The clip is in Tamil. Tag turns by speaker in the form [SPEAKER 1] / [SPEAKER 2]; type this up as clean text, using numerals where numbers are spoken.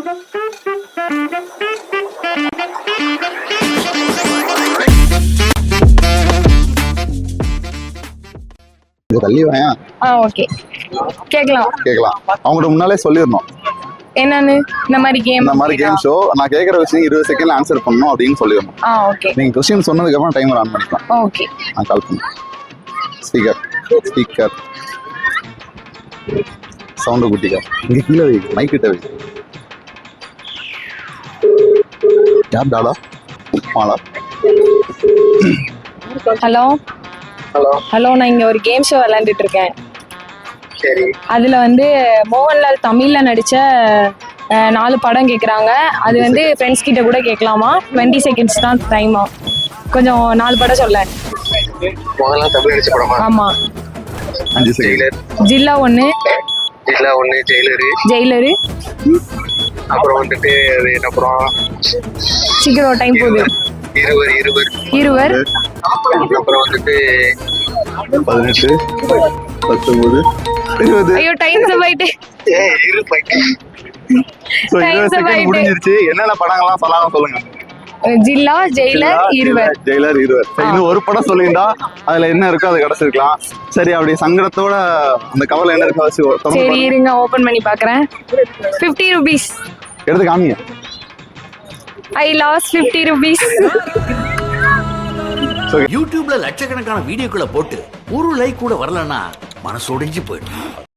[SPEAKER 1] தள்ளி வாயா.
[SPEAKER 2] ஓகே, கேக்கலாம்.
[SPEAKER 1] அவங்கள்ட்ட முன்னாலே சொல்லிடணும்
[SPEAKER 2] என்னன்னு. இந்த மாதிரி
[SPEAKER 1] கேம் ஷோ நான் கேக்குற விஷயம் 20 செகண்ட்ல ஆன்சர் பண்ணணும் அப்படின்னு சொல்லிடணும்.
[SPEAKER 2] ஓகே.
[SPEAKER 1] நீங்க क्वेश्चन சொன்னதுக்கு அப்புறம் டைமர் ஆன் பண்ணிக்கலாம்.
[SPEAKER 2] ஓகே.
[SPEAKER 1] நான் கால் பண்ணேன். ஸ்பீக்கர் சவுண்ட் குட்டிக்கா இங்க கீழே வை, மைக் கிட்ட வை. யார் டாடா மாலா?
[SPEAKER 2] ஹலோ ஹலோ, நான் இங்க ஒரு கேம் ஷோ விளையாண்டுட்டு இருக்கேன்.
[SPEAKER 3] சரி.
[SPEAKER 2] அதுல வந்து மோகன்லால் தமிழ்ல நடிச்ச 4 படம் கேக்குறாங்க. அது வந்து ஃப்ரெண்ட்ஸ் கிட்ட கூட கேட்கலாமா? 20 செகண்ட்ஸ் தான் டைமா. கொஞ்சம் 4 படம் சொல்ல.
[SPEAKER 3] மோகன்லால் தமிழ் நடிச்ச படமா?
[SPEAKER 2] ஆமா.
[SPEAKER 1] 5 செகண்ட்.
[SPEAKER 2] ஜில்லா 1, ஜெயிலரு.
[SPEAKER 3] அப்புறம் வந்துட்டு அது என்ன படம்?
[SPEAKER 2] சீக்கிரம், டைம் போகுது. இருவர்.
[SPEAKER 3] அப்புறம் வந்துட்டு
[SPEAKER 1] 18, 19, 20.
[SPEAKER 2] ஐயோ, டைம் போயிட்டு.
[SPEAKER 1] சோ 20 செகண்ட் முடிஞ்சிருச்சு. என்னென்ன படங்கள்லாம் சொல்லலாம் சொல்லுங்க.
[SPEAKER 2] ஜில்லா, ஜெயிலர், இருவர்.
[SPEAKER 1] இன்னும் ஒரு படம் சொல்லிருந்தா அதுல என்ன இருக்கோ அதை கிடைச்சிருக்கலாம். சரி, அப்படி சங்கடத்தோட அந்த கவலை என்ன இருக்கோ
[SPEAKER 2] சரி இருங்க, ஓபன் பண்ணி பாக்குறேன். 50 rupees
[SPEAKER 1] எடுத்து காமிங்க.
[SPEAKER 2] I lost 50 rupees.
[SPEAKER 4] யூடியூப்ல லட்சக்கணக்கான வீடியோக்களை போட்டு ஒரு லைக் கூட வரலன்னா மனசு உடைஞ்சு போயிடும்.